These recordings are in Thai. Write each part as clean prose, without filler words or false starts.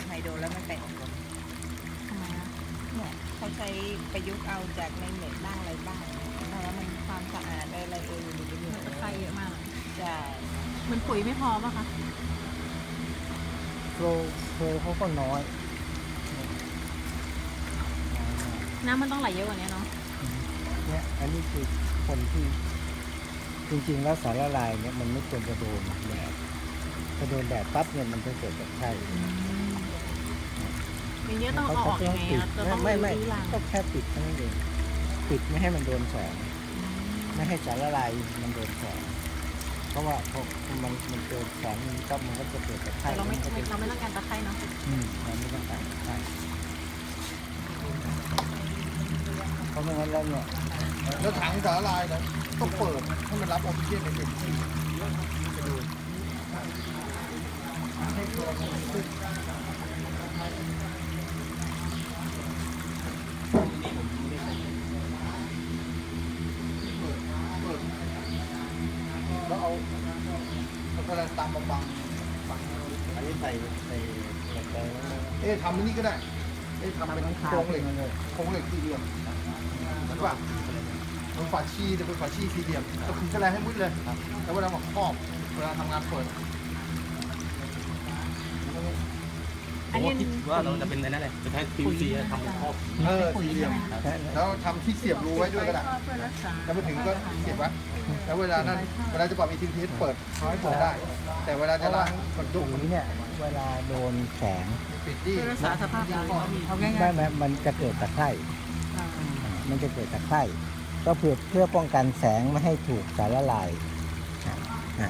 ไฮโดรแล้วมันเป็นทำไมนะเนี่ยเขาใช้ประยุกต์เอาจากในเน็ตบ้างอะไรบ้างเพราะว่ามันความสะอาดอะไรอยู่ในนี้ตะไคร้เยอะมากใช่มันปุ๋ยไม่พอป่ะคะโฟล์เขาก็น้อยน้ำมันต้องไหลเยอะกว่านี้เนาะเนี่ยอันนี้คือคนที่จริงๆแล้วสารละลายเนี่ยมันไม่ควรจะโดนแดดถ้าโดนแดดปั๊บเนี่ยมันจะเกิดจากไข้อย่างนี้ต้องเอาออกยังไงอะจะต้องไม่รื้อรังก็แค่ปิดเท่านั้นเองปิดไม่ให้มันโดนแสงไม่ให้สารละลายมันโดนแสงเพราะว่าพอมันโดนแสงมันก็จะเกิดจากไข้แต่เราไม่นก็จะเราไม่ต้องการตะไคร้เนาะเราไม่ต้องการไข้เพราะไม่งั้นแล้วเนี่ยแล้วถังสาลายนะต้องเปิดให้มันรับออกซิเจนในเต็มที่แล้วเอาอะไรตามบังอันนี้ใส่เหล็กแดงทำอันนี้ก็ได้ทำเป็นโครงเหล็กโครงเหล็กสี่เหลี่ยมเหมือนว่ามันฝาชีจะเป็นฝาชีสี่เหลี่ยมก็คือแค่ไรให้มุดเลยแล้วเวลามาครอบเวลาทำงานเปิดอันนี้ว่าเราจะเป็นอะไรนั่นแหละจะใช้ PVC ทำเป็นครอบสี่เหลี่ยมแล้วทำที่เสียบรูไว้ด้วยก็ได้เพื่อรักษาแล้วไปถึงก็เสียบไว้แล้วเวลานั้นเวลาจะปรับอีทีทีเปิดเขาให้เปิดได้ แต่เวลาจะล้างกดตยุรกงนี้เนี่ยเวลาโดนแสงปิดที่เพื่อรักษาสภาพดินเอาง่ายได้ไหมมันจะเกิดตะไคร่ๆมันจะเกิดตะไคร่ก็เพื่อป้องกันแสงไม่ให้ถูกสารละลายอ่ะ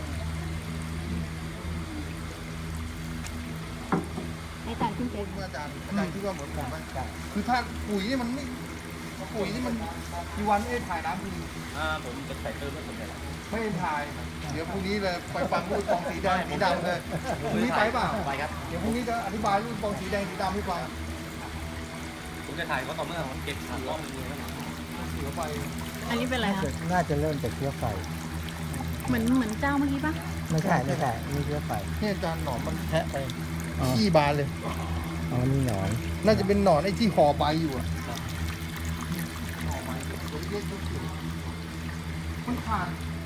ให้จานขึ้นเต็มอาจารย์คิดว่าเหมือนผมไหมคือถ้าปุ๋ยนี่มันไม่ปุ๋ยนี่มันมีวันไม่ได้ถ่ายน้ำทีผมจะใส่เติมไม่สนใจไม่ได้ถ่าย เดี๋ยวพรุ่งนี้เลยไปฟังรูปฟองสีแดงสีดำเลยพรุ่งนี้ไปเปล่าไปครับเดี๋ยวพรุ่งนี้จะอธิบายรูปฟองสีแดงสีดำให้ฟังผมจะถ่ายก็ต่อเมื่อผมเก็บรอบนึงแล้วเสือไปอันนี้เป็นอะไรคะน่าจะเริ่มจากเชื้อไฟเหมือนเจ้าเมื่อกี้ป่ะไม่ใช่นี่เชื้อไฟเนี่ยอาจารย์หนอนมันแทะไปอ๋อขี้บานเลยอ๋อนี่หนอนน่าจะเป็นหนอนไอ้ที่ห่อใบอยู่อะมันขาด